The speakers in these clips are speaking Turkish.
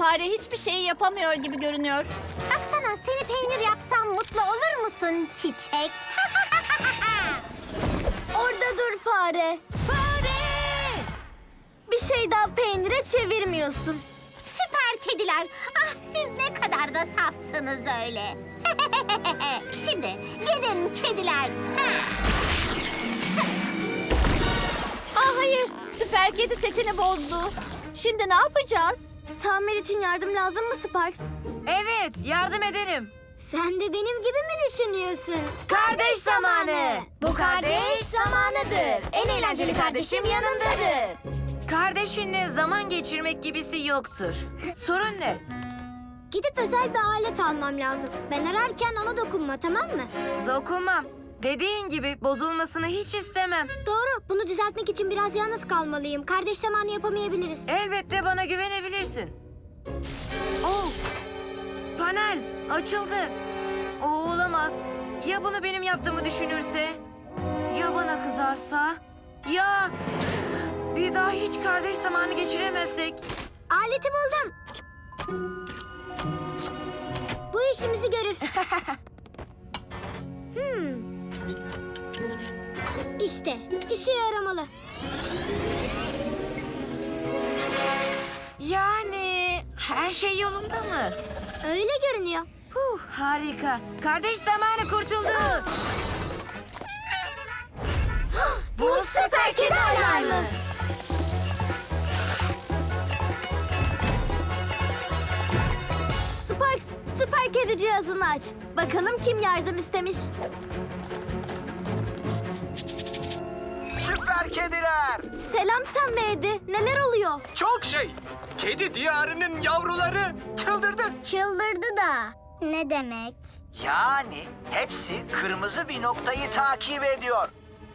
fare hiçbir şey yapamıyor gibi görünüyor. Baksana, seni peynir yapsam mutlu olur musun çiçek? Orada dur fare. Fare! Bir şey daha peynire çevirmiyorsun. Süper kediler. Ah, siz ne kadar da safsınız öyle. Şimdi gidin kediler. Hayır, süper kedi setini bozdu. Şimdi ne yapacağız? Tamir için yardım lazım mı Sparks? Evet, yardım ederim. Sen de benim gibi mi düşünüyorsun? Kardeş zamanı. Bu kardeş zamanıdır. En eğlenceli kardeşim yanındadır. Kardeşinle zaman geçirmek gibisi yoktur. Sorun ne? Gidip özel bir alet almam lazım. Ben ararken ona dokunma, tamam mı? Dokunmam. Dediğin gibi bozulmasını hiç istemem. Doğru. Bunu düzeltmek için biraz yalnız kalmalıyım. Kardeş zamanı yapamayabiliriz. Elbette bana güvenebilirsin. Oh! Panel açıldı. O olamaz. Ya bunu benim yaptığımı düşünürse? Ya bana kızarsa? Ya bir daha hiç kardeş zamanı geçiremezsek? Aleti buldum. Bu işimizi görür. İşte, işe yaramalı. Yani her şey yolunda mı? Öyle görünüyor. Harika. Kardeş zamanı kurtuldu. Bu süper kedi alarmı. Sparks, süper kedi cihazını aç. Bakalım kim yardım istemiş. Süper kediler. Selam Sam ve Eddie. Neler oluyor? Çok şey. Kedi diyarının yavruları çıldırdı. Çıldırdı da. Ne demek? Yani hepsi kırmızı bir noktayı takip ediyor.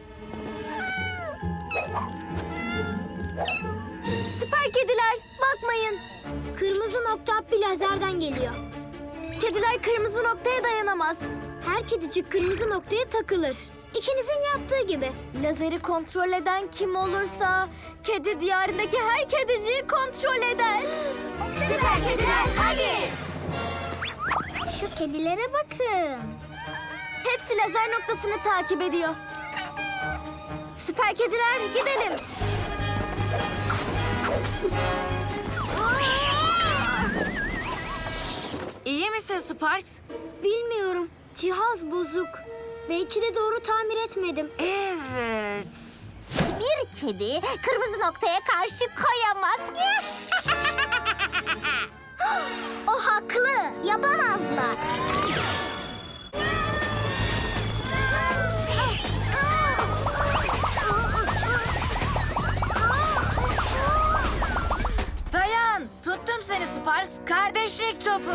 Süper kediler, bakmayın. Kırmızı nokta bir lazerden geliyor. Kediler kırmızı noktaya dayanamaz. Her kedicik kırmızı noktaya takılır. İkinizin yaptığı gibi. Lazeri kontrol eden kim olursa kedi diyarındaki her kediciyi kontrol eder. Süper kediler hadi. Şu kedilere bakın. Hepsi lazer noktasını takip ediyor. Süper kediler gidelim. İyi misin Sparks? Bilmiyorum. Cihaz bozuk. Belki de doğru tamir etmedim. Evet. Bir kedi kırmızı noktaya karşı koyamaz. O haklı. Yapamazlar. Dayan. Tuttum seni Sparks. Kardeşlik topu.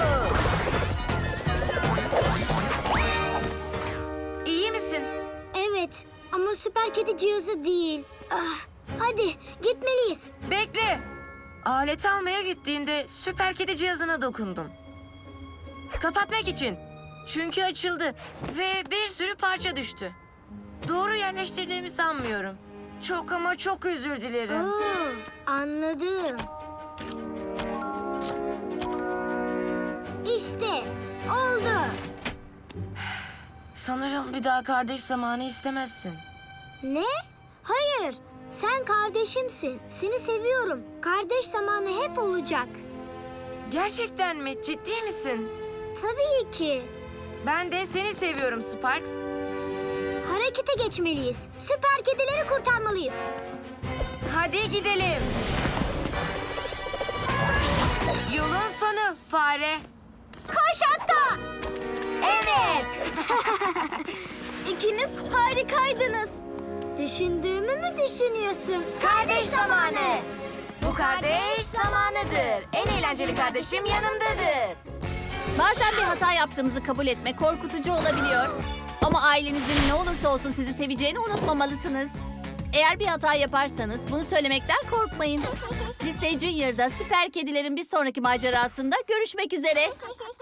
İyi misin? Evet ama süper kedi cihazı değil. Hadi gitmeliyiz. Bekle. Alet almaya gittiğinde süper kedi cihazına dokundum. Kapatmak için. Çünkü açıldı ve bir sürü parça düştü. Doğru yerleştirdiğimi sanmıyorum. Çok ama çok özür dilerim. Anladım. İşte oldu. Sanırım bir daha kardeş zamanı istemezsin. Ne? Hayır. Sen kardeşimsin. Seni seviyorum. Kardeş zamanı hep olacak. Gerçekten mi? Ciddi misin? Tabii ki. Ben de seni seviyorum Sparks. Harekete geçmeliyiz. Süper kedileri kurtarmalıyız. Hadi gidelim. Yolun sonu fare. Koş hatta. Evet. İkiniz harikaydınız. Düşündüğümü mü düşünüyorsun? Kardeş zamanı. Bu kardeş zamanıdır. En eğlenceli kardeşim yanımdadır. Bazen bir hata yaptığımızı kabul etmek korkutucu olabiliyor. Ama ailenizin ne olursa olsun sizi seveceğini unutmamalısınız. Eğer bir hata yaparsanız bunu söylemekten korkmayın. Disney Junior'da süper kedilerin bir sonraki macerasında görüşmek üzere.